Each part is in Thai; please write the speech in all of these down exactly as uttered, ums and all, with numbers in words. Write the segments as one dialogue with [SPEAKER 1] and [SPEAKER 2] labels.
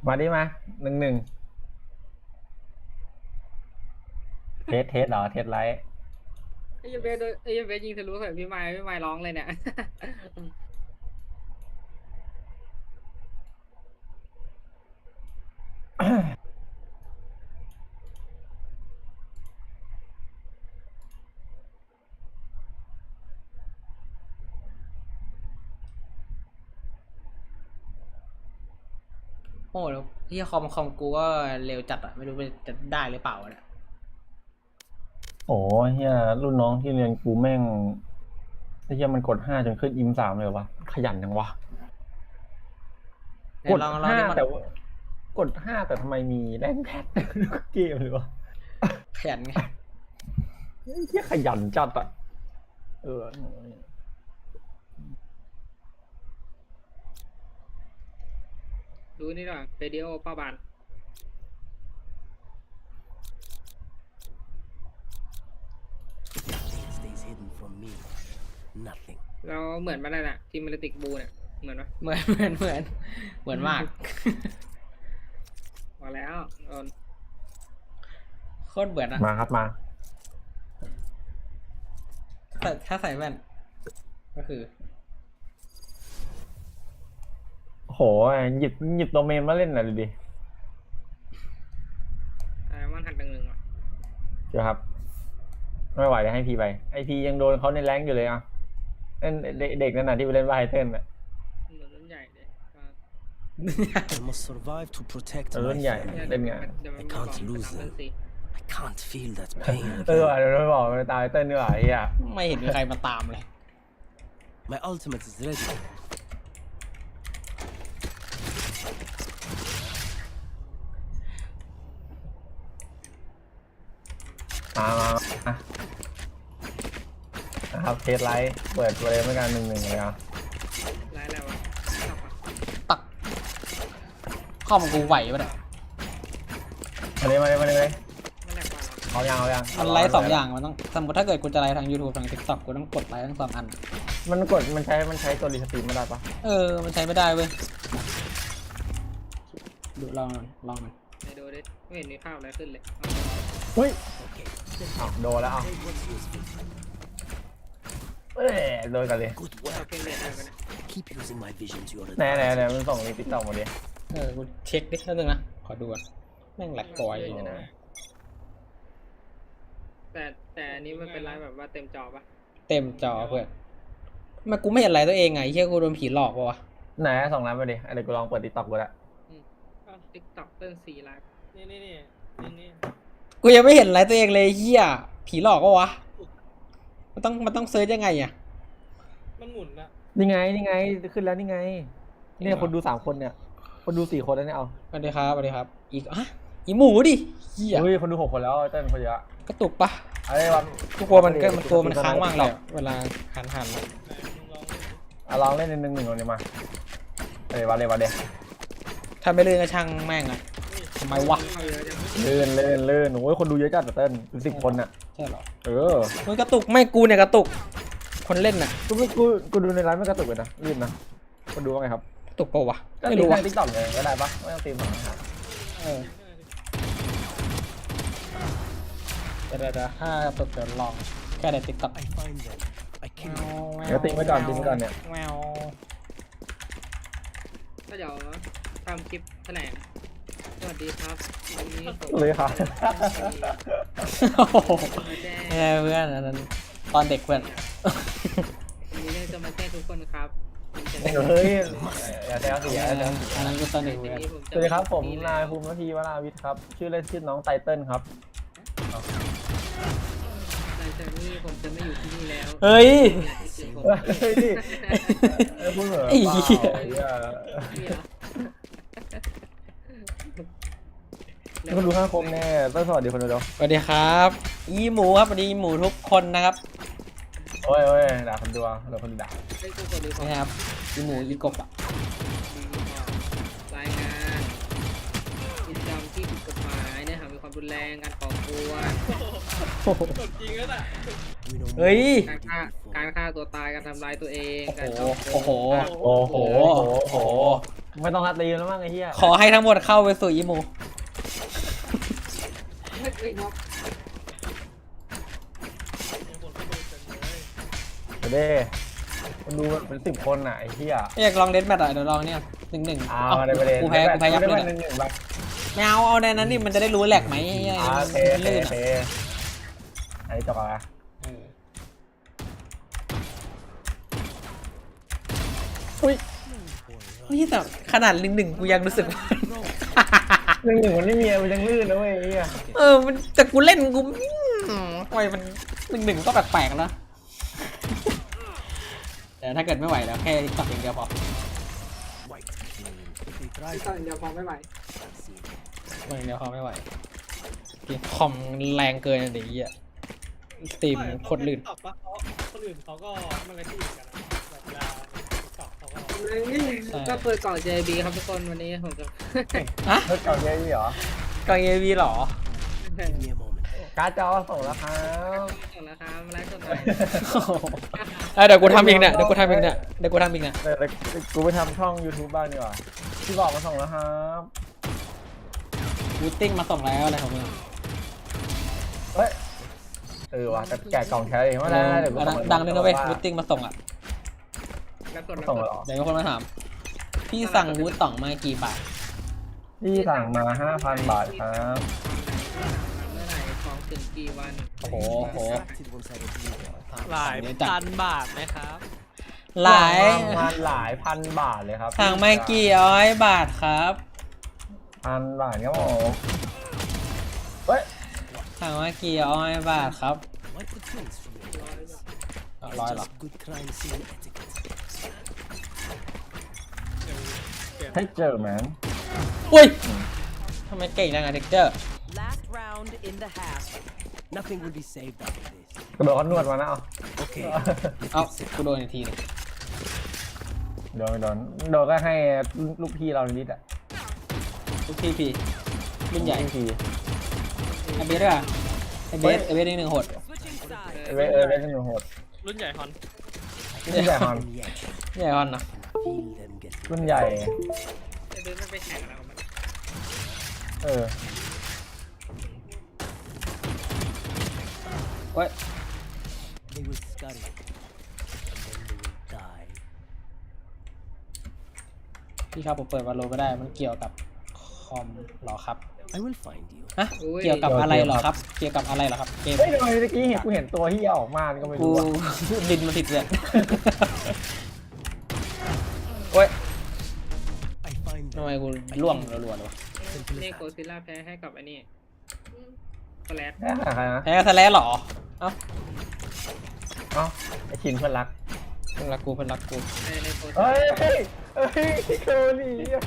[SPEAKER 1] มาดิมาหนึ่งหนึ่งเทสเทสเหรอเทสไลท์
[SPEAKER 2] ไอ้เบสโดนไอ้เบสยิงทะลุใส่พี่ไม้พี่ไม้ร้องเลยเนี่ย
[SPEAKER 3] โอ้แล้วที่คอมคอมกูก็เร็วจัดอะไม่รู้จะได้หรือเปล่าเนี่ย
[SPEAKER 1] โอ้เฮียรุ่นน้องที่เรียนกูแม่งไอ้เฮียมันกดห้าจนขึ้นอิมสามเลยวะขยันจังวะ
[SPEAKER 3] ไหน
[SPEAKER 1] กด
[SPEAKER 3] ลองลอง
[SPEAKER 1] ห้า
[SPEAKER 3] ดิมัน
[SPEAKER 1] แต่ว่ากดห้าแต่ทำไมมีแรงแพททุกเกมเลยวะ
[SPEAKER 3] ขยันไง
[SPEAKER 1] ไอ้เฮียขยันจัดอะเออ
[SPEAKER 2] ดูนี่หน่อยเรดิโอป้าบาน
[SPEAKER 4] stays hidden from me. Nothing.
[SPEAKER 2] เราเหมือนมันนั่นแหละทีมเมลติกบูเนี่ยเหมือนปะ
[SPEAKER 3] เหมือนเหมือนเหมือนเหมือนมาก
[SPEAKER 2] มาแล้วโดน
[SPEAKER 3] โคตรเบื่ออะ
[SPEAKER 1] มาครับมา
[SPEAKER 3] แต่ถ้าใส่แว่นก็คือ
[SPEAKER 1] โหหยิบหยิบโดเมนมาเล่นหน่อยดูดิ
[SPEAKER 2] ไอ้มันหันหนึ่งหนึ่งอ่ะ
[SPEAKER 1] เจ้าครับไม่ไหวเลยให้พีไปไอพียังโดนเขาในแรงค์อยู่เลยอ่ะเล่นเด็กเด็กนั่นน่ะที่ไปเล่นไวเต้นอ่ะ
[SPEAKER 2] เหมือนรุ่นใหญ่เลยอ่ะ
[SPEAKER 4] I must survive to protect
[SPEAKER 1] เออ
[SPEAKER 4] my
[SPEAKER 1] รุ่นใหญ่
[SPEAKER 4] family.
[SPEAKER 1] เล่นไง
[SPEAKER 2] เดี๋ยวมัน
[SPEAKER 4] I
[SPEAKER 2] มี
[SPEAKER 4] can't
[SPEAKER 2] ของ
[SPEAKER 4] lose
[SPEAKER 2] สามพัน
[SPEAKER 4] them.
[SPEAKER 2] สี่
[SPEAKER 4] I can't feel that pain
[SPEAKER 1] เออ
[SPEAKER 4] again.
[SPEAKER 1] เดี๋ยวไม่บอกไปตายเต้นดีกว่าไอ้เหี้ย
[SPEAKER 3] ไม่เห็นมีใครมาตามเลย
[SPEAKER 4] My ultimate is ready.
[SPEAKER 1] มามามานะครับเทสไลท์เปิดเลยเหมือนกันหนึ่งหนึ่งเลยอ่ะ
[SPEAKER 2] ไล่แล้วอ่ะชอบอ่ะ
[SPEAKER 3] ตักคอมกูไหวปะเนี่ย
[SPEAKER 1] มาเลยมาเลยมาเลย
[SPEAKER 2] มันแหลกกว่าเรา
[SPEAKER 1] เอายังเอายัง
[SPEAKER 3] มันไลฟ์สองอย่างมันต้องสมมติถ้าเกิดกูจะไลฟ์ทาง YouTube ทาง TikTok กูต้องกดไลฟ์ทั้งสองอัน
[SPEAKER 1] มันกดมันใช้มันใช้ตัวรีสตรีมไม่ได้ปะ
[SPEAKER 3] เออมันใช้ไม่ได้เว้ยดูลองลองมัน
[SPEAKER 2] ไหนดูดิไม่เห็นมีภาพอะไรขึ้นเลย
[SPEAKER 1] เฮ้ย
[SPEAKER 4] Okay.
[SPEAKER 1] อ้าวโดนแล้วอ้าว
[SPEAKER 4] Take what's useful.
[SPEAKER 1] เอ้ยโดนกันเลย
[SPEAKER 4] Good
[SPEAKER 2] เรา
[SPEAKER 4] work.
[SPEAKER 2] เป็นเรียนอะไรกันเนี่ย
[SPEAKER 4] Keep using my vision to your
[SPEAKER 1] ไหนไหนไหน
[SPEAKER 4] advantage.
[SPEAKER 1] มันส่งในติ๊กต็อกมาดิ
[SPEAKER 3] เออกูเช็คดิแป๊บนึงนะขอดูก่อนแม่งแหลกกอย
[SPEAKER 2] เออ แต่แต่อันนี้มันเป็นไลฟ์แบบว่าเต็มจอปะ
[SPEAKER 3] เต็มจอเพื่อนทำไมากูไม่เห็นอะไรตัวเองไงเฮียกูโดนผีหลอกปะวะ
[SPEAKER 1] ไหนส่งนั้นมาดิเดี๋ยวกูลองเปิดติ๊กต็อกกูละ
[SPEAKER 2] ก็ติ๊กต็อกเติ้ลสี่ไลฟ์นี่นี่นี่นี่
[SPEAKER 3] กูยังไม่เห็นอะไรตัวเองเลยเฮียผีหลอกปะวะมันต้องมันต้องเซิร์ชยังไงอ่ะ
[SPEAKER 2] มันหมุนอะ
[SPEAKER 1] นี่ไงนี่ไงขึ้นแล้วนี่ไงเนี่ยคนดูสามคนเนี่ย คนดูสี่คนแล้วเนี่ยเอา
[SPEAKER 3] สวัสดีครับสวัสดีครับอีกอ่ะอีหมูดิเฮีย
[SPEAKER 1] เฮ้ยคนดูหกคนแล้วเต้นคนเยอะ
[SPEAKER 3] กระตุกปะ
[SPEAKER 1] อะไรวะ
[SPEAKER 3] กูกลัวมันก็มันตัวมันค้างว่างเลยอะเวลาหันหันอะ
[SPEAKER 1] อ่ะลองเล่นหนึ่งหนึ่งหนึ่งเลยมาเอ้ยวะเลยวะเด
[SPEAKER 3] ถ้าไม่เลื่อนก็ช่างแม่งอะทำไมวะ
[SPEAKER 2] เข้าเยอะจัง
[SPEAKER 1] เลื่อนเลื่อนเลื่อนโอ้ยคนดูเยอะจัดอะเต้นเป็นสิบคนอ่ะ
[SPEAKER 3] ใช่เหรอ
[SPEAKER 1] เออ
[SPEAKER 3] มันกระตุกไม่กูเนี่ยกระตุก คนเล่นน่ะ
[SPEAKER 1] กูไม่กูกูดูในไลฟ์ไม่กระตุกเลยนะรีบนะคนดูว่าไงครับ
[SPEAKER 3] กระตุกปะวะ
[SPEAKER 1] ก็
[SPEAKER 3] ไม่
[SPEAKER 1] ตี
[SPEAKER 3] รู้
[SPEAKER 1] ใน
[SPEAKER 3] วะ
[SPEAKER 1] ติ๊กต็อกเลยก็ได้ปะไม่ต้องตีมหรอก
[SPEAKER 3] เออเดี๋ยวเดี๋ยวเดี๋ยวถ้ากระตุกเดี๋ยวลองแค่ในติ๊กต็อก
[SPEAKER 4] I find them. I kill them.
[SPEAKER 1] เดี๋ยวตีไว้ก่อนตีไว้ก่อนเนี่ย
[SPEAKER 3] แมว
[SPEAKER 2] ก็เดี๋ยวทำคลิปแถลงสวัสดีครับวันนี้ผม
[SPEAKER 1] เลยค่ะ
[SPEAKER 3] โอ้โห
[SPEAKER 2] มาแจ้ง
[SPEAKER 3] แย่เพื่อนอันนั้นตอนเด็กเพื่อน
[SPEAKER 2] มีเรื่องจะมาแจ้งทุกคนครับผมจะ
[SPEAKER 1] เฮ้ยอย่าแซวสิอย่า
[SPEAKER 3] อัน
[SPEAKER 1] แซ
[SPEAKER 3] นั้
[SPEAKER 1] วน
[SPEAKER 3] อันนั้นก็ตอนเด็ก
[SPEAKER 2] ที
[SPEAKER 3] เพื่อน
[SPEAKER 2] นี้ผม
[SPEAKER 1] สวัสดีครับผม
[SPEAKER 2] จะ
[SPEAKER 1] นายภูมินาทีวราวิทย์ครับ ชื่อเล่นชื่อน้องไตเติ้ลครับ
[SPEAKER 2] หลังจากนี้ผมจะไม่อยู่ที่นี่แล้ว
[SPEAKER 3] เฮ้ย
[SPEAKER 2] ผม
[SPEAKER 1] เฮ้ยนี่เอ้ยพูดเหมือน
[SPEAKER 3] ไอ้
[SPEAKER 1] เปล่า
[SPEAKER 3] เหี้ย
[SPEAKER 1] ไอ้เหี้ย
[SPEAKER 2] นี่เหรอ
[SPEAKER 1] นี่คนดูห้าคมแน่เต้นสวัสดีคนดูเดียว
[SPEAKER 3] สวัสดีครับ อีหมูครับสวัสดีอีหมูทุกคนนะครับ
[SPEAKER 1] โอ้ยโอ้ยด่าคนดูอ่ะเดี๋ยวคนด่า
[SPEAKER 2] ไอ้กูกดดูของ
[SPEAKER 3] นะครับอีหมูอีกบอ่ะ
[SPEAKER 2] รายงานกิจกรรมที่ผิดกฎหมายเนื้อหามีความรุนแรงการก่อกวน
[SPEAKER 4] We know
[SPEAKER 3] เฮ้ย
[SPEAKER 4] more
[SPEAKER 2] การฆ่า
[SPEAKER 4] than we did
[SPEAKER 2] การ
[SPEAKER 4] before.
[SPEAKER 2] ฆ่าตัวตายการทำร้ายตัวเอง
[SPEAKER 3] โอ้
[SPEAKER 2] การ
[SPEAKER 3] โห
[SPEAKER 2] ช่อโกง
[SPEAKER 3] โอ้โห
[SPEAKER 1] โอ้โห
[SPEAKER 3] โอ้โห
[SPEAKER 1] โอ้โหไม่ต้องฮัตตีแล้วมั้งไอ้เหี้ย
[SPEAKER 3] ขอให้ทั้งหมดเข้าไปสู่อีโม
[SPEAKER 2] เฮ้ยเฮ้ยน็อก
[SPEAKER 1] เดี๋ยวดิมันดูเป็นสิบคนอ่ะไอ้เหี้ย
[SPEAKER 3] อยากลองเดนแมทอ่ะเดี๋ยวลองเนี่ยหนึ่งหนึ่ง
[SPEAKER 1] อ้าวในประเด็น
[SPEAKER 3] กูแพ้กูแพ้ยับเลย
[SPEAKER 1] หนึ่
[SPEAKER 3] นะ
[SPEAKER 1] งหนึ่งไป
[SPEAKER 3] ไม่เอาเอาในนั้นนี่มันจะได้รู้แหลกไหมไอ้เหี้ย
[SPEAKER 1] อ่าโอเค
[SPEAKER 3] มัน
[SPEAKER 1] โอเค
[SPEAKER 3] ลื่น
[SPEAKER 1] โอเค
[SPEAKER 3] อ่ะ
[SPEAKER 1] อันนี้จบอ่ะ
[SPEAKER 3] เออ
[SPEAKER 1] อุ้ย
[SPEAKER 3] เฮ้ยแต่ขนาดหนึ่งหนึ่งกูยังรู้สึกว่า
[SPEAKER 1] หนึ่งหนึ่งมันไม่มีมันยังลื่นนะเว้ยไอ้เหี้ย
[SPEAKER 3] เออมันแต่กูเล่นกูอืมทำไมมันหนึ่งหนึ่งก็แปลกๆแล้วแต่ถ้าเกิดไม่ไหวแล้วแค่ตัดอย่างเดียวพอ
[SPEAKER 4] White clean. If they try
[SPEAKER 2] ตอนเดียวพอไม่ไหว
[SPEAKER 4] I'll see.
[SPEAKER 3] อย่างเดียวพอไม่ไหวเกมคอมแรงเกินอะเดี๋ยวอ่ะสตรีมโคตรลื่น
[SPEAKER 5] ตอบปะเพราะคนอื่นเขาก็มันก็ที่เหมือนกันนะแบบเวลาตอบเขาก็
[SPEAKER 2] ก็เปิดกล่อง เจ บี ครับทุกคนวันนี้ผมจะ
[SPEAKER 3] อะ
[SPEAKER 1] เฮ้ยเก่าเยอะเหรอก
[SPEAKER 3] องเอวีหรอ
[SPEAKER 4] Give me a moment.
[SPEAKER 1] การ์ดจอส่งแล้วครับ
[SPEAKER 2] ส่งแล้วครับมาไลฟ์สดหน่อย
[SPEAKER 3] เอ้ยเดี๋ยวกูทำเองเนี่ยเดี๋ยวกูทำเองเนี่ยเดี๋ยวกูทำเองเนี่ย
[SPEAKER 1] เดี๋ยวกูไปทำช่อง YouTube บ้างดีกว่าที่บอกมาส่งแล้วครับ
[SPEAKER 3] วูตติ้งมาส่งแล้วอะไรของมึง
[SPEAKER 1] เฮ้ยเออว่ะแต่แกะกล่องแค่เองว่าได้เดี๋ยวกู
[SPEAKER 3] ดัง
[SPEAKER 1] ส่
[SPEAKER 3] ดังเลยนะเว้ยวูตติ้งมาส่งอ่ะ
[SPEAKER 2] แล้วกดแล้ว
[SPEAKER 1] ส่ง
[SPEAKER 2] กด
[SPEAKER 1] เหรอ
[SPEAKER 3] เดี๋ยวมีคนมาถาม พี่สั่งวูตต่องมากี่บาท
[SPEAKER 1] พี่สั่งมาห้าพันบาทครับ
[SPEAKER 2] เมื่อไหร่ของถึงกี่วัน
[SPEAKER 3] โอ้โหโอ้โห
[SPEAKER 4] Distracted once I get you there.
[SPEAKER 5] หลายพันบาทนะครับ
[SPEAKER 3] หลาย
[SPEAKER 1] ประมาณหลายพันบาทเลยครับ
[SPEAKER 3] สั่งมากี่ร้อยบาทครับ
[SPEAKER 1] พันบาทครับผมเฮ้ย
[SPEAKER 3] สั่งมากี่ร้อยบาทครับ
[SPEAKER 4] Wipe the prints from your eyes.
[SPEAKER 3] ร้อยเหรอ
[SPEAKER 4] Just good crime scene etiquette.
[SPEAKER 1] ให้เจอแมน
[SPEAKER 3] อุ้ยทำไมเก่งจังอะเด็กเจอร์
[SPEAKER 6] Last round in the half.
[SPEAKER 4] Nothing will be saved after this.
[SPEAKER 1] กระโดดเขานวดมานะเอา
[SPEAKER 4] Okay.
[SPEAKER 3] เอ้ากูโดนอีกทีหนึง
[SPEAKER 1] โดนโดนโดนก็ให้ลูกพี่เรานิดอ่ะ
[SPEAKER 3] ทุกทีพีรุ่นใหญ่
[SPEAKER 1] ที
[SPEAKER 3] ไอเบสด้วยอะไอเบสไอเบสนี่หนึ่งโหด
[SPEAKER 6] Switching sides.
[SPEAKER 1] เอเวเอเวเป็นหนูโหด
[SPEAKER 5] รุ่นใหญ่ฮอน
[SPEAKER 1] รุ่นใหญ่ฮอน
[SPEAKER 4] And yet,
[SPEAKER 3] ใหญ่ฮอนนะ
[SPEAKER 4] feel them get
[SPEAKER 1] รุ่นใหญ่
[SPEAKER 2] จะเดินไม่ไปแข่งแล้วมัน
[SPEAKER 1] เออ
[SPEAKER 3] เว้ย
[SPEAKER 4] They will scurry. And then they will die.
[SPEAKER 3] พี่ครับผมเปิดวาโลไม่ได้มันเกี่ยวกับคอมเหรอครับ
[SPEAKER 4] I will find you.
[SPEAKER 3] ฮะเกี่ยวกับอะไรเหรอครับ เกี่ยวกับอะไรเหรอครับเกม
[SPEAKER 1] เฮ้ยทำไมเมื่อกี้เห็นกูเห็นตัวที่ออกมาก็ไม่
[SPEAKER 3] กู
[SPEAKER 1] รู้อะ
[SPEAKER 3] ดินมันติดเลยโอ้ย
[SPEAKER 4] I find
[SPEAKER 3] ทำ
[SPEAKER 4] them.
[SPEAKER 3] ไมกูล่วงรัวๆเลยวะ
[SPEAKER 4] Simple
[SPEAKER 2] นี่
[SPEAKER 4] as
[SPEAKER 2] โค
[SPEAKER 4] that.
[SPEAKER 2] ซิล่าแพ้ให้กับไอ้นี่สแลด
[SPEAKER 1] แค่ใครนะ
[SPEAKER 3] แพ้สแลสเหรอ เอ้า
[SPEAKER 1] เอ้าไอชินเพื่อนรัก
[SPEAKER 3] เพื่อนรักกูเพื่อนรักกู
[SPEAKER 2] ในในโคซิ
[SPEAKER 1] เฮ้
[SPEAKER 2] ล่าย
[SPEAKER 1] เฮ้ยเฮ้ยเกาหลีอะ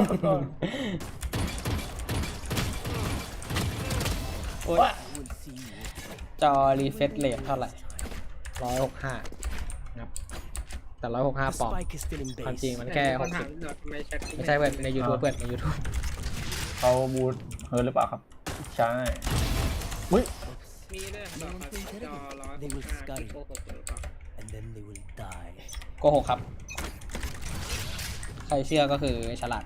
[SPEAKER 3] โอ้ย
[SPEAKER 4] I will see you.
[SPEAKER 3] จอรีเฟรชเรทเท่าไหร่ร้อยหกห้าครับแต่ร้อยหกห้า
[SPEAKER 4] The
[SPEAKER 3] ปอนด์
[SPEAKER 4] spike is still in
[SPEAKER 3] ความจริง
[SPEAKER 4] base.
[SPEAKER 3] มันแค่
[SPEAKER 2] ค
[SPEAKER 3] ห
[SPEAKER 2] น
[SPEAKER 3] ก
[SPEAKER 2] ถา
[SPEAKER 3] สิ
[SPEAKER 2] ม
[SPEAKER 3] บ
[SPEAKER 2] เดี๋ยวทำไมแชท
[SPEAKER 3] ไม่ใช่เพื่อนใน YouTube เพื่อนใน YouTube
[SPEAKER 1] เขาบูทเฮิร์ตหรือเปล่าครับ ใช่อุ้ย
[SPEAKER 2] มีด้วยดอกครับจอร้อยหกห้าพิโคหกหรือเปล่า
[SPEAKER 4] And then they will die.
[SPEAKER 3] โกหกครับ ใครเชื่อก็คือฉลาด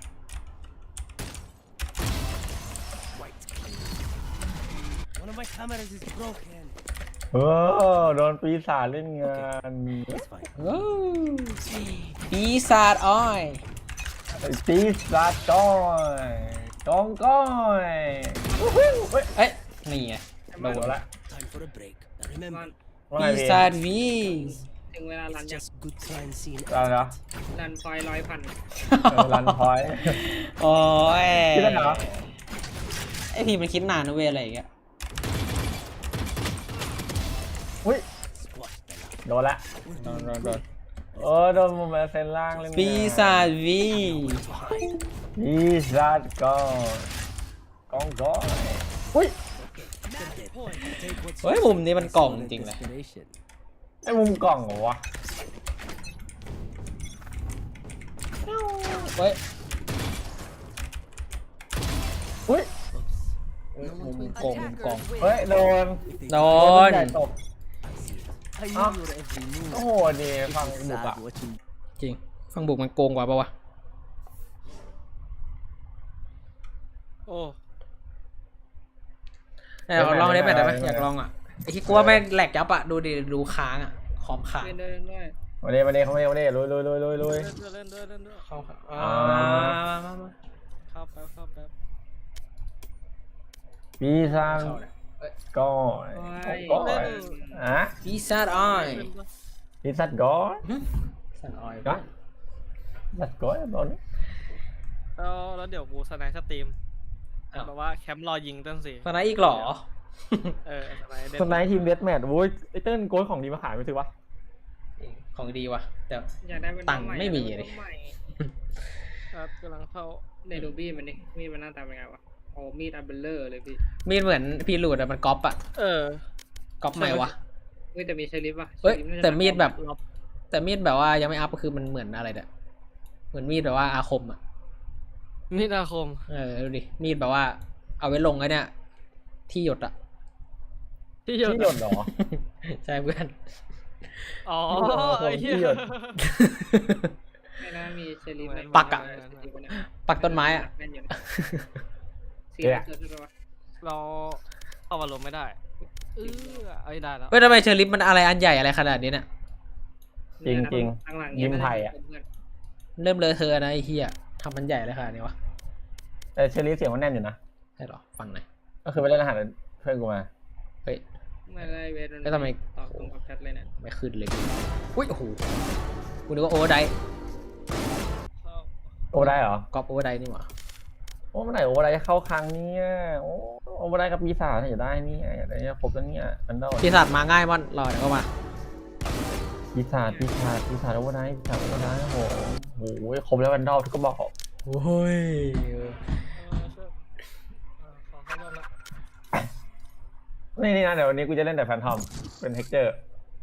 [SPEAKER 4] White clean. One of my cameras is broken.
[SPEAKER 1] เออโดนปีศาจเล่นงาน
[SPEAKER 4] That's fine.
[SPEAKER 3] ว้าวปีศาจอ้อย
[SPEAKER 1] ปีศาจจ้อยจองก้อยวู้ฮู้เฮ้ย
[SPEAKER 3] เอ้ย นี่ไงโด
[SPEAKER 1] โด
[SPEAKER 3] น
[SPEAKER 1] น
[SPEAKER 3] ละ
[SPEAKER 1] ละ
[SPEAKER 4] Time for a break. Now remember,
[SPEAKER 1] ว่า
[SPEAKER 3] ปี
[SPEAKER 1] ไงพี่
[SPEAKER 3] ศาจวี
[SPEAKER 2] ถึงเวลารัน
[SPEAKER 4] it's
[SPEAKER 2] ยัง
[SPEAKER 4] just good crime scene
[SPEAKER 1] อะไรนะ
[SPEAKER 4] etiquette.
[SPEAKER 2] รันพอยร้อยพัน
[SPEAKER 1] เออรันพอยต์
[SPEAKER 3] โอ้ย
[SPEAKER 1] คิดได้เหรอ
[SPEAKER 3] ไอพีมันคิดนานนะเว้ยอะไรอย่างเงี้ย
[SPEAKER 1] อุ้ย
[SPEAKER 4] Squash them out.
[SPEAKER 1] โดนละ
[SPEAKER 4] We're
[SPEAKER 3] โดน
[SPEAKER 4] doing
[SPEAKER 3] โดนโดน
[SPEAKER 4] great.
[SPEAKER 1] โอ้โดนมุมแอเซนล่างเล่นงาน
[SPEAKER 3] ปีศาจวี
[SPEAKER 4] To hide.
[SPEAKER 1] ปีศาจก้อยกองก้อยอุ้ย
[SPEAKER 4] Dead. Take what's
[SPEAKER 3] เฮ้ย
[SPEAKER 4] yours.
[SPEAKER 3] มุมนี้มันกล่อง
[SPEAKER 4] Solid
[SPEAKER 3] จริงเลย
[SPEAKER 4] desperation.
[SPEAKER 1] ไอ้มุมกล่องเหรอวะ
[SPEAKER 3] เฮ้ย
[SPEAKER 1] อุ้ย
[SPEAKER 4] Oops.
[SPEAKER 3] มุมกงมุมกง
[SPEAKER 1] เฮ้ยโดน
[SPEAKER 4] If they
[SPEAKER 3] โด
[SPEAKER 4] try,
[SPEAKER 3] น
[SPEAKER 1] ใหญ่ตบ
[SPEAKER 4] I see it. I
[SPEAKER 1] Ah.
[SPEAKER 4] knew your every move.
[SPEAKER 1] โอ้โหดีฟัง
[SPEAKER 4] It's
[SPEAKER 1] บุก
[SPEAKER 4] sad
[SPEAKER 1] อะ
[SPEAKER 4] watching
[SPEAKER 3] จริง ฟังบุกมันโกงกว่าปะวะ
[SPEAKER 5] โอ้
[SPEAKER 3] เออลองได้ไหมได้ไหมอยากลองอ่ะไอ้ที่กลัวแม่งแหลกยับอ่ะดูดิดูค้างอ่ะคอมค้าง
[SPEAKER 2] เล่นด้วยเล่นด้วย
[SPEAKER 1] มาเด้มาเด้เขามาเด้มาเด้ลุยลุยลุยลุยลุย
[SPEAKER 5] เล่นด้วยเล่นด้วยเล่นด้วย
[SPEAKER 3] เข้าครับ
[SPEAKER 1] อ่า
[SPEAKER 3] มามามา
[SPEAKER 5] เข้าแป๊บเข้าแป๊บ
[SPEAKER 1] ปีศาจ
[SPEAKER 3] เข้าเลยเอ้ย
[SPEAKER 1] ก้อย
[SPEAKER 2] โอ้ย
[SPEAKER 1] ก้อยอ่ะ
[SPEAKER 3] ปีศาจอ้อย
[SPEAKER 1] ปีศาจก้อย
[SPEAKER 3] สันอ้อย
[SPEAKER 1] ก้อยปีศาจก้อยตอนนี้
[SPEAKER 5] แล้วแล้วเดี๋ยวกูสไนด์สตรีมแบบว่าแคมป์รอยิงต้นสิ
[SPEAKER 3] ตอนนั้นอีกเหรอ
[SPEAKER 5] เออสไนด์เด่น
[SPEAKER 1] สไนท์ทีมเดสแมทโว้ยไอเติ้ลโกยของดีมาขายไม่ถือวะ
[SPEAKER 3] ของดีว่ะแต่
[SPEAKER 2] อยากได้เป็น
[SPEAKER 3] ตังค์ไม่มีเลย
[SPEAKER 2] ใหม่
[SPEAKER 5] ครับกำลังเข้า
[SPEAKER 2] ในดูบี้มันนี่มีดมันหน้าตาเป็นไงวะโอ้มีดอัลเบลเลอร์เลยพี่
[SPEAKER 3] มีดเหมือนพีรูดอะมันก๊อปอะ
[SPEAKER 5] เออ
[SPEAKER 3] ก๊อปไหนวะ
[SPEAKER 2] เฮ้ยแต่มีเชลิฟป่ะ
[SPEAKER 3] เฮ้ย
[SPEAKER 2] ชลิฟน่าจะ
[SPEAKER 3] แต่มีดแบบ
[SPEAKER 5] ล็อบ
[SPEAKER 3] แต่มีดแบบว่ายังไม่อัพก็คือมันเหมือนอะไรเนี่ยเหมือนมีดแบบว่าอาคมอะ
[SPEAKER 5] มีนาคม
[SPEAKER 3] เออดูดิมีดแบบว่า เอาไว้ลงไอ้เนี่ยที่หยดอะ
[SPEAKER 5] ที่หยด
[SPEAKER 1] ที่หยดเหรอ
[SPEAKER 3] ใช่เพื่อน
[SPEAKER 5] อ๋อ
[SPEAKER 1] ที่หยด
[SPEAKER 5] ไอ้เหี้ย
[SPEAKER 1] ที่หยด
[SPEAKER 2] ไม่น่ามีเชลิฟใน
[SPEAKER 3] ปักอะ
[SPEAKER 2] เชลิฟเนี่ย
[SPEAKER 3] ปักต้นไม้อะ
[SPEAKER 2] แม่นอยู่นะเสี
[SPEAKER 1] เดี๋
[SPEAKER 2] ย
[SPEAKER 1] ยว
[SPEAKER 2] เกิดขึ้นวะ
[SPEAKER 5] เราเข้ามาลงไม่ได้เออไอ้ยได้แล้ว
[SPEAKER 3] เฮ้ยทำไมเชอริฟมันอะไรอันใหญ่อะไรขนาดนี้เนี่ย
[SPEAKER 1] จริงจริง
[SPEAKER 2] หลังๆ
[SPEAKER 1] ยิ้มไผ่อะ
[SPEAKER 2] เพื่อน
[SPEAKER 3] เริ่มเลอะเทอะนะไอ้เหี้ยทำมันใหญ่เลยขนาดนี้วะ
[SPEAKER 1] แต่เชอรี่เสียงมันแน่นอยู่นะ
[SPEAKER 3] ใช่เหรอฟังหน่อย
[SPEAKER 1] ก็คือไปเล่นอาหารเพื่อนกูมา
[SPEAKER 3] เฮ้ย
[SPEAKER 2] ไม่ได้เวทมัน
[SPEAKER 3] แล้วทำไม
[SPEAKER 2] ตอบตรงกับแชทเลยเนี่ย
[SPEAKER 3] ไม่ขึ้นเลยอุ้ยโอ้โหกูนึกว่าโอเวอร์ได
[SPEAKER 5] เข้า
[SPEAKER 1] โอ้ได้เหรอ
[SPEAKER 3] ก๊อปโอเวอร์ไดนี่หว่า
[SPEAKER 1] โอ้เมื่อไหร่โอ้ได้เข้าครั้งเนี่ยโอ้โอ้ได้กับปีศาจอยากได้เนี่ยอยากได้ครบแล้วเนี่ยอันเดอร์
[SPEAKER 3] ปีศาจมาง่ายมอนรอเดี๋ยวก็มา
[SPEAKER 1] ปีศาจปีศาจปีศาจโอ้ได้ปีศาจโอ้ได้โอ้โหโอ้โหครบแล้วอันเดอร์ทุกก็บอก
[SPEAKER 3] โอ้ย
[SPEAKER 5] เออช่วยอ่าขอเข้าบ้านละ
[SPEAKER 1] นี่นี่นะเดี๋ยววันนี้กูจะเล่นแต่แฟนทอมเป็นเทคเจอร์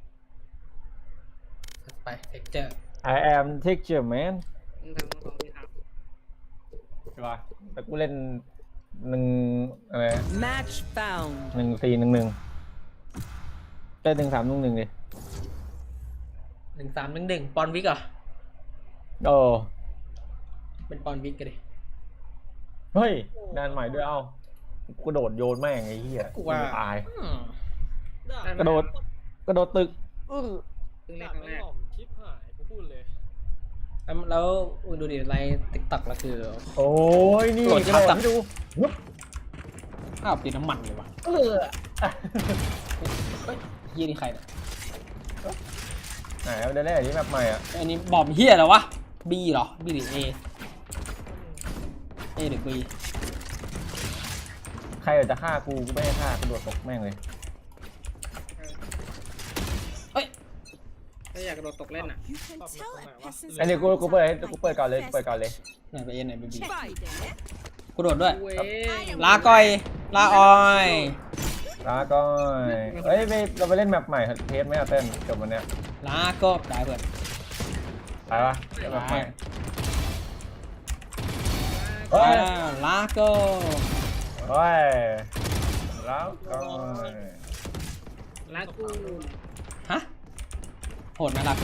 [SPEAKER 3] ไปเท็กเจอร์
[SPEAKER 1] I am texture man
[SPEAKER 2] มึงทำของที่ทำ
[SPEAKER 1] ใช่ป่ะแต่กูเล่นหนึ่งอะไร
[SPEAKER 6] Match found.
[SPEAKER 1] หนึ่งสี่หนึ่งหนึ่งเล่นหนึ่งสามหนึ่งหนึ่งดิ
[SPEAKER 3] หนึ่งสามหนึ่งหนึ่งปอนวิกเหรอ
[SPEAKER 1] โอ้
[SPEAKER 3] เป็นปอนวิกกันดิ
[SPEAKER 1] เฮ้ยงานใหม่ด้วยเอ้ากูโดดโยนแม่งไอ้เหี้ย
[SPEAKER 3] กูว่า
[SPEAKER 1] ตาย
[SPEAKER 3] อืม
[SPEAKER 1] กระโดด กระโดดตึกอื้อ
[SPEAKER 2] เพิ่งเล่
[SPEAKER 5] ดาน บ
[SPEAKER 2] ครั้ง
[SPEAKER 5] ไม่
[SPEAKER 2] แรก
[SPEAKER 5] หล่อมชิปหายกูพูดเลย
[SPEAKER 3] แล้วแล้วดูดิไลน์ติ๊กต็อกแล้วคือ
[SPEAKER 1] โอ้ยนี่
[SPEAKER 3] โดด
[SPEAKER 1] กระโดด
[SPEAKER 3] จับ
[SPEAKER 1] ให้ดูวุ๊บ
[SPEAKER 3] ข้าวตีน้ำมันเลยวะ
[SPEAKER 1] เออ
[SPEAKER 3] เฮ้ยเฮียนี่ใครเนี่ย
[SPEAKER 1] ไหนเอาเดี๋ยวได้อันนี้แบบใหม่อ่ะ
[SPEAKER 3] อันนี้บอมเฮียเหรอวะบีเหรอบีหรือเอเอหรือบี
[SPEAKER 1] ใครอยากจะฆ่ากูกูไม่ให้ฆ่ากระโดดตกแม่งเลย
[SPEAKER 3] เอ้ย
[SPEAKER 2] ถ้าอยากกระโดดตกเล่นอ่ะ
[SPEAKER 6] You can
[SPEAKER 5] Pop
[SPEAKER 6] tell
[SPEAKER 5] the
[SPEAKER 6] a
[SPEAKER 5] phone,
[SPEAKER 6] person's
[SPEAKER 1] อันนี้กูกูเปิดให้กูเปิดก่อนเลยกูเปิดก่อนเลย
[SPEAKER 3] ไหนไปเอไหนไปบี
[SPEAKER 6] Fight it.
[SPEAKER 3] กูโดดด้วย
[SPEAKER 2] เว้ย
[SPEAKER 3] ลาก่อย ลาออย
[SPEAKER 1] ลาก่อยเอ้ยไปเราไปเล่นแมปใหม่เทสไหมอะเต้นจบวันเนี้ย
[SPEAKER 3] ลาก็ได้เพื่อน
[SPEAKER 1] ไปปะเล่นแมปใหม่
[SPEAKER 3] ไป
[SPEAKER 1] เฮ้ย
[SPEAKER 3] ลาก็
[SPEAKER 1] เฮ้ยแล้วก็
[SPEAKER 2] ลากู
[SPEAKER 3] ฮะโหดไหมลากู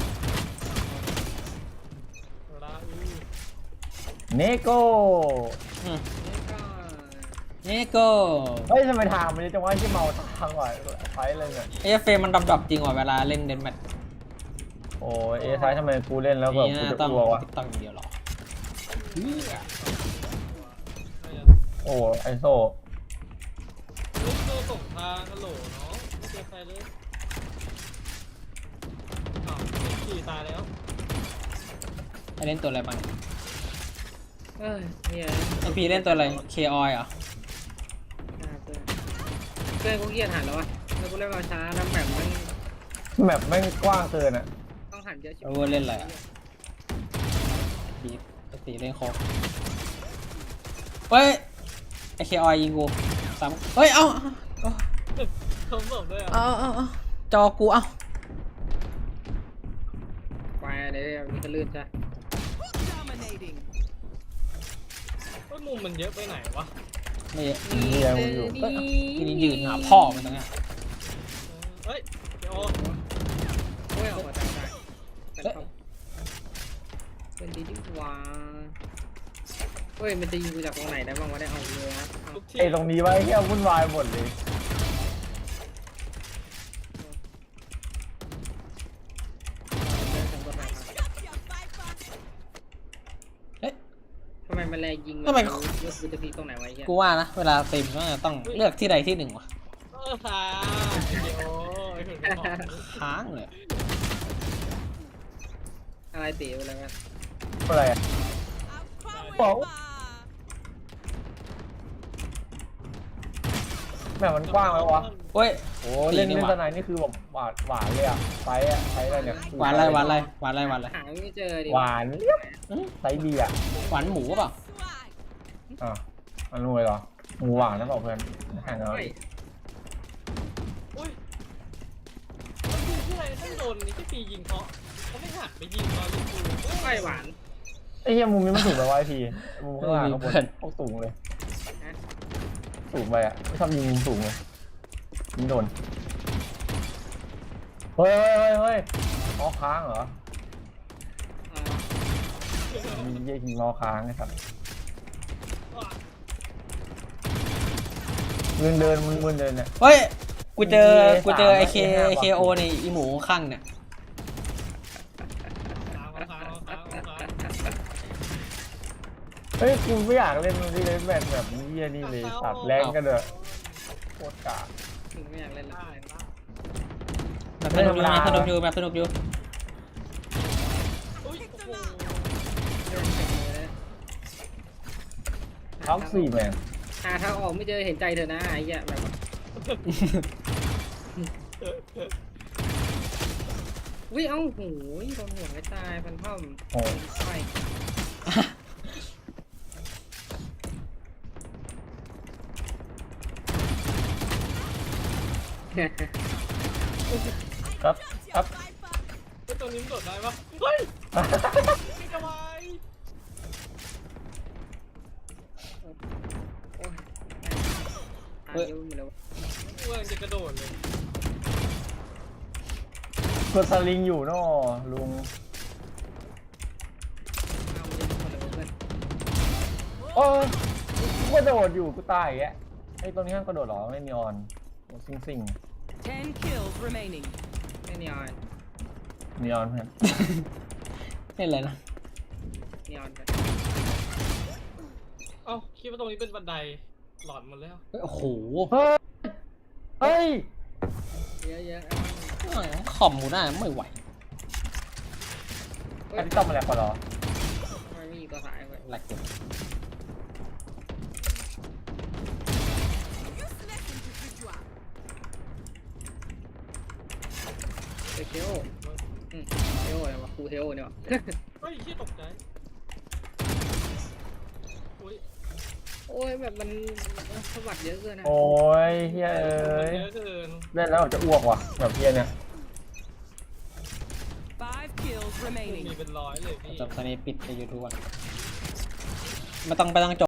[SPEAKER 5] ลาอู
[SPEAKER 1] เนโก้
[SPEAKER 3] อืม
[SPEAKER 2] นี่ก็
[SPEAKER 3] นี่ก็
[SPEAKER 1] เฮ้ยทำไมทางมันจะว่าที่เมาทางว่ะไปเลยเนี่ย
[SPEAKER 3] เอฟเฟมันดรอปๆจริงว่ะเวลาเล่นเดนแมท
[SPEAKER 1] โอ้ยเอซ้ายทำไมกูเล่นแล้วแบบ
[SPEAKER 3] นี่
[SPEAKER 1] กู
[SPEAKER 3] นะ
[SPEAKER 1] จะ
[SPEAKER 3] ต้อง
[SPEAKER 1] กลัววะ
[SPEAKER 3] ติ๊กต็อกอย่างเดียวหรอ
[SPEAKER 1] โอ้ไอโซ
[SPEAKER 5] ลูกโซ่ส่งทางฮัลโหลเนาะไม่เจอใครเลยอ้าวขี่ตายแล้ว
[SPEAKER 3] ไอเล่นตัวอะไรบ้าง
[SPEAKER 2] เอ้ยเนี่ย
[SPEAKER 3] ไอพีเล่นตัวอะไรเคออยเหรอ
[SPEAKER 2] เพื่อนเพื่อนกูเกียดหันแล้ววะแล้วกูเล่นมาช้าแล้วแบบมัน
[SPEAKER 1] แมปแม่งกว้างเกินอ่ะ
[SPEAKER 2] ต้องหันเยอะชิบ
[SPEAKER 3] โอเวอร์เล่นอะไรอ่ะพีปกติเล่นโคกเฮ้ยไอเคออยยิงกูสามเฮ้ย เอ้า
[SPEAKER 5] เขาบอกด้วยอ่ะ
[SPEAKER 3] เอ้าเอ้าเอ้าจอกูเอ้า
[SPEAKER 2] ไปเลยมีกระลื่นจ้ะ
[SPEAKER 6] Dominating.
[SPEAKER 5] ว่ามุมมันเยอะไปไหนวะ
[SPEAKER 3] ไม่
[SPEAKER 1] นี่ยังอยู่
[SPEAKER 2] นี่
[SPEAKER 3] ทีนี้ยืนหาพ่อมันตรงเนี้ย
[SPEAKER 5] เฮ้ยเดี๋ยว
[SPEAKER 2] โอ้ยออกมาจากไหนเป็นเขาเป็นดีดีกว่าเฮ้ยมันจะยิงกูจากตรงไหนได้บ้างวะได้เอาเรือนะเอา
[SPEAKER 5] ทุกที่
[SPEAKER 1] ไอ้ตรงนี้ไว้เฮียวุ่นวายหมดเลย
[SPEAKER 2] เดินถึงตรงไหนครับ
[SPEAKER 3] เอ๊ะ
[SPEAKER 2] ทำไมมันแรงยิง
[SPEAKER 3] ทำไม
[SPEAKER 2] เลือกกูจะพีตรงไหนไวะไอ้เหี้ย
[SPEAKER 3] กูว่านะเวลาเต็มก็ต้องเลือกที่ใดที่หนึ่งว่ะ
[SPEAKER 5] เออค่ะเดี๋ยวไอ้ถึงจะบอก
[SPEAKER 3] ค้างเลย
[SPEAKER 2] อะไรตีอะไรกัน
[SPEAKER 1] อะไรอะบอกแม่งมันกว้างแล้ววะ
[SPEAKER 3] เฮ้ย
[SPEAKER 1] โอ้เล่นเล่นสไนนี่คือแบบหวานหวานเลยอะไซส์อะไซส์อะไรเนี่ย
[SPEAKER 3] หวานอะไรหวานอะไรหวานอะไรหวานอะไร
[SPEAKER 2] หาไม่เจอดิ
[SPEAKER 1] หวานเรียบไซส์ดีอะ
[SPEAKER 3] หวานหมูเปล่า
[SPEAKER 1] อ่ะอันนู้นเลยเหรอหมูหวานนะบอกเพื่อนห่างกัน
[SPEAKER 2] เฮ้ย
[SPEAKER 5] อุ้ยแล้วคือที่อะไรต้องโดนนี่ที่ปียิงเขาเขาไม่หักไปยิงตอนยิงกู
[SPEAKER 2] ไม่หวาน
[SPEAKER 1] ไอ้เหี้ยมุมนี้มันสูงไปวะไอพีมุมข้างล่างข้างบนโคตรสูงเลย
[SPEAKER 2] นะ
[SPEAKER 1] สูงไปอะไม่ชอบยิงมุมสูงเลยยิงโดนเฮ้ยเฮ้ยเฮ้ยเฮ้ยมอค้างเหรอ
[SPEAKER 2] อ่า
[SPEAKER 1] มีเยี่ยยิงมอค้างไอ้สัสเดินเดินมึนมึนเดินเนี่ย
[SPEAKER 3] เฮ้ยกูเจอ
[SPEAKER 1] มี
[SPEAKER 3] กูเจอ
[SPEAKER 1] สาม
[SPEAKER 3] ไอเค
[SPEAKER 1] มีห้า
[SPEAKER 3] ไอเคโอในอีหมูข้างเนี่ย
[SPEAKER 5] ค้างค้างค้างค้าง
[SPEAKER 1] เฮ้ยกูไม่อยากเล่นมันที่เล่นแบบแบบนี้เหี้ยนี่เลยตัดแรงกันเด้อโคตรกาก
[SPEAKER 2] ถึงไม่อยากเล่นละ
[SPEAKER 5] ได้ได้
[SPEAKER 3] แบบสนุกอยู่แบบสนุกอยู่แบบสนุกอยู่
[SPEAKER 5] อุ้ยโอ้โห
[SPEAKER 2] เดินเต็มเลยนะ
[SPEAKER 1] ท็อปสี่แมน
[SPEAKER 2] หาทางออกไม่เจอเห็นใจเธอนะไอ้เหี้ยแบบวิเอ้าโหยโดนหัวไม่ตายฟันพ่อม
[SPEAKER 1] โอ้
[SPEAKER 2] ไป
[SPEAKER 1] ครับครับ
[SPEAKER 5] เฮ้ยตัวนี้มันโดดได้ปะเฮ้ยไม่สบาย
[SPEAKER 2] โอ้ยตายเยอะหมดแล้ว
[SPEAKER 5] กูกำลังจะกระโดดเลย
[SPEAKER 1] กดสลิงอยู่เนาะลุง
[SPEAKER 2] เอาเยอะหมดแล้วเพื่อน
[SPEAKER 1] โอ้ยกูกระโดดอยู่กูตายอย่างเงี้ยไอ้ตรงนี้ห้ามกระโดดหรอไม่มีออนซิงซิง
[SPEAKER 6] Ten kills remaining.
[SPEAKER 2] ไม่นีออน
[SPEAKER 1] มีออนเพื่อน
[SPEAKER 3] เล่นอะไรนะ
[SPEAKER 2] นีออนไป
[SPEAKER 5] เอ้าคิดว่าตรงนี้เป็นบันไดหลอนหมดแล้ว
[SPEAKER 3] เฮ้ยโอ้โห
[SPEAKER 1] เฮ้ยเฮ้ย
[SPEAKER 2] เยอะเยอะ
[SPEAKER 3] ขอมหมูหน้าไม่ไหว
[SPEAKER 1] อันนี้ต้องมาแล้วก่อนเหรอ
[SPEAKER 2] ทำไมไม่มีตัวสายไป
[SPEAKER 3] แหลกอยู่
[SPEAKER 2] ไปเทโออืมเทโออะไรวะครูเทโอเนี่ยวะ
[SPEAKER 5] เฮ้ยเฮียตกใจอุ้ย
[SPEAKER 2] โอ้ยแบบมันสวัสดเยอะเกินนะ
[SPEAKER 1] โอ้ยเฮ้ยเอ้ย
[SPEAKER 5] เยอะเกิน
[SPEAKER 1] เล่นแล้วแบบจะอ้วกว่ะแบบเฮียเนี่ย
[SPEAKER 6] Five kills
[SPEAKER 5] มี
[SPEAKER 6] remaining.
[SPEAKER 5] เป็นร้อยเลยพี่
[SPEAKER 3] จบตอนนี้ปิดในยูทูบอ่ะไม่ต้องไปต้องจบ